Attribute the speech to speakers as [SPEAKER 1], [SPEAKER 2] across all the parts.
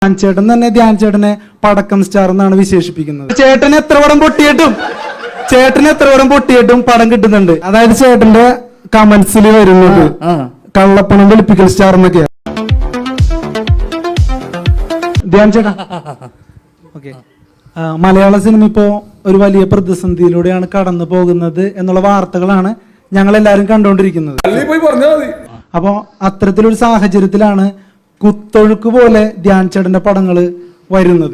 [SPEAKER 1] ധ്യാൻ ചേട്ടൻ തന്നെ ധ്യാൻ ചേട്ടനെ പടക്കം സ്റ്റാർ എന്നാണ് വിശേഷിപ്പിക്കുന്നത്. ചേട്ടന് എത്ര പടം പൊട്ടിയിട്ടും പടം കിട്ടുന്നുണ്ട്. അതായത് ചേട്ടന്റെ കമന്റ്സിൽ വരുന്നത് കള്ളപ്പണം വെളുപ്പിക്കൽ സ്റ്റാർ എന്നൊക്കെയാ. ധ്യാൻ ചേട്ടാ, ഓക്കെ, മലയാള സിനിമ ഇപ്പോ ഒരു വലിയ പ്രതിസന്ധിയിലൂടെയാണ് കടന്നു പോകുന്നത് എന്നുള്ള വാർത്തകളാണ് ഞങ്ങൾ എല്ലാരും കണ്ടുകൊണ്ടിരിക്കുന്നത്. അപ്പോ അത്തരത്തിലൊരു സാഹചര്യത്തിലാണ് കുത്തൊഴുക്ക് പോലെ ധ്യാൻ ചേട്ടന്റെ പടങ്ങള് വരുന്നത്.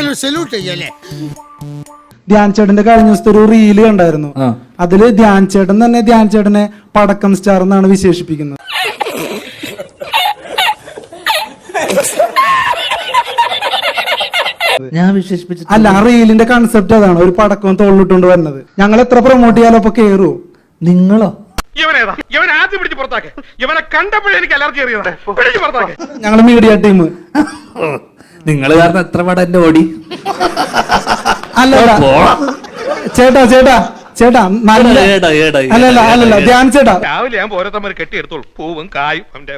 [SPEAKER 1] ധ്യാൻ ചേട്ടന്റെ കഴിഞ്ഞ ദിവസത്തെ ഒരു റീല് കണ്ടായിരുന്നു. അതില് ധ്യാൻ ചേട്ടൻ തന്നെ ധ്യാൻ ചേട്ടനെ പടക്കം സ്റ്റാർ എന്നാണ് വിശേഷിപ്പിക്കുന്നത്.
[SPEAKER 2] ഞാൻ വിശേഷിപ്പിച്ചു
[SPEAKER 1] അല്ല, ആ റീലിന്റെ കൺസെപ്റ്റ് അതാണ്, ഒരു പടക്കം തോളിലിട്ടുകൊണ്ട് വരുന്നത്. ഞങ്ങൾ എത്ര പ്രൊമോട്ട് ചെയ്യാലോ അപ്പൊ കേറുവോ?
[SPEAKER 2] നിങ്ങളോ?
[SPEAKER 1] ഞങ്ങള് മീഡിയ ടീം.
[SPEAKER 2] നിങ്ങൾ കാരണം എത്ര പടം എന്റെ ഓടി.
[SPEAKER 1] അല്ല ചേട്ടാ ചേട്ടാ ചേട്ടാ അല്ലല്ല ധ്യാൻ ചേട്ടാ,
[SPEAKER 3] രാവിലെ ഞാൻ ഓരോരുത്തന്മാർ കെട്ടിയെടുത്തോളൂ പൂവും കായും അവന്റെ.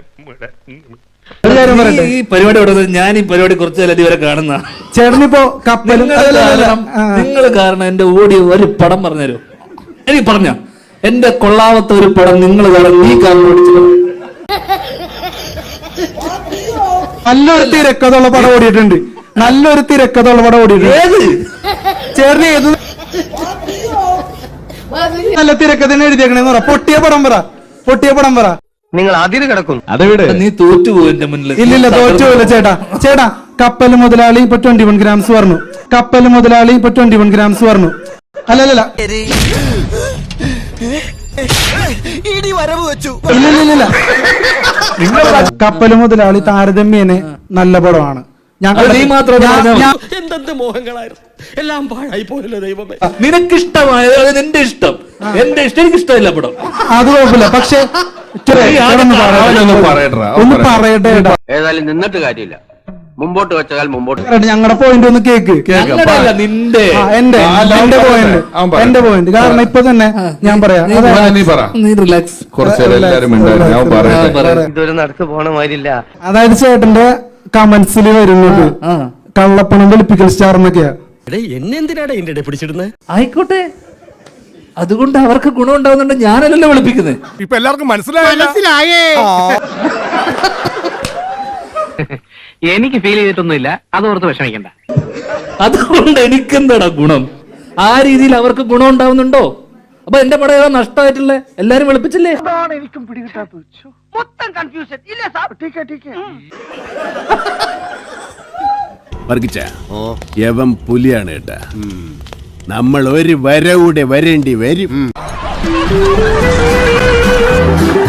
[SPEAKER 2] ഈ പരിപാടി ഞാൻ ഈ പരിപാടി കുറച്ചു കാലം ഇതുവരെ കാണുന്ന
[SPEAKER 1] ചേട്ടനിപ്പോ കപ്പലും
[SPEAKER 2] നിങ്ങൾ കാരണം എന്റെ ഓടി ഒരു പടം പറഞ്ഞുതരൂ. എനിക്ക് പറഞ്ഞ എന്റെ കൊള്ളാവത്ത ഒരു പടം നിങ്ങൾ കാരണം നീ കാരണം ഓടിച്ചു.
[SPEAKER 1] നല്ലൊരു തിരക്കഥയുള്ള പടം ഓടിയിട്ടുണ്ട്. നല്ലൊരു തിരക്കഥയുള്ള പടം ഓടിയിട്ടുണ്ട്. ചേട്ടന് ഏത് നല്ല തിരക്കഥ എഴുതിയേക്കണേന്ന് പറ. പൊട്ടിയ പടം പറ.
[SPEAKER 4] നിങ്ങൾ അതിന് കിടക്കുന്നു.
[SPEAKER 2] നീ തോറ്റുപോകും എന്റെ മുന്നിൽ.
[SPEAKER 1] ഇല്ലില്ല, തോറ്റുപോയില്ല ചേട്ടാ. കപ്പൽ മുതലാളി ഇപ്പൊ 21 ഗ്രാംസ് പറഞ്ഞു. അല്ലല്ല ഇല്ലില്ല, കപ്പൽ മുതലാളി താരതമ്യേന നല്ല പടമാണ്.
[SPEAKER 4] എന്തെന്ത് മോഹങ്ങളായിരുന്നു, എല്ലാം പാഴായി പോയല്ലോ ദൈവമേ.
[SPEAKER 2] നിനക്കിഷ്ടമായത് നിന്റെ ഇഷ്ടം, എന്റെ ഇഷ്ടം എനിക്ക് ഇഷ്ടമില്ല പടം.
[SPEAKER 1] അത് കുഴപ്പമില്ല, പക്ഷെ ഒന്ന് പറയട്ടെ.
[SPEAKER 4] ഏതായാലും നിന്നിട്ട് കാര്യമില്ല, മുമ്പോട്ട് വെച്ചാൽ മുമ്പോട്ട്.
[SPEAKER 1] ഞങ്ങളുടെ പോയിന്റ് ഒന്ന് കേക്ക്.
[SPEAKER 2] നിന്റെ
[SPEAKER 1] എന്റെ പോയിന്റ് കാരണം ഇപ്പൊ തന്നെ ഞാൻ പറയാം.
[SPEAKER 2] നീ റിലാക്സ്.
[SPEAKER 4] ഇതൊരു നടക്ക് പോണ മാതിരില്ല.
[SPEAKER 1] അതായത് ചേട്ടന്റെ കമന്റ്സിൽ വരുന്നത് കള്ളപ്പണം വെളുപ്പിക്കൽ സ്റ്റാർ എന്നൊക്കെയാ.
[SPEAKER 4] എന്നെന്തിനാണ് ഇതിന്റെ പിടിച്ചിടുന്നത്?
[SPEAKER 2] ആയിക്കോട്ടെ, അതുകൊണ്ട് അവർക്ക് ഗുണം ഉണ്ടാവുന്നുണ്ട്. ഞാനല്ലല്ലോ വിളിപ്പിക്കുന്നത്.
[SPEAKER 3] ഇപ്പൊ എല്ലാവർക്കും മനസ്സിലായേ.
[SPEAKER 4] എനിക്ക് ഫീൽ ചെയ്തിട്ടൊന്നുമില്ല, അതോർത്ത് വിഷമിക്കണ്ട.
[SPEAKER 2] അതുകൊണ്ട് എനിക്കെന്താടാ ഗുണം? ആ രീതിയിൽ അവർക്ക് ഗുണം ഉണ്ടാവുന്നുണ്ടോ? അപ്പൊ എന്റെ പടം ഏതാ നഷ്ടമായിട്ടില്ലേ? എല്ലാരും വിളിപ്പിച്ചില്ലേ?
[SPEAKER 4] എനിക്കും പിടികിട്ടാത്ത മൊത്തം കൺഫ്യൂഷൻ ഇല്ല സാർ.
[SPEAKER 5] യവൻ പുലിയാണ് കേട്ടാ. നമ്മൾ ഒരു വരവൂടെ വരേണ്ടി വരും.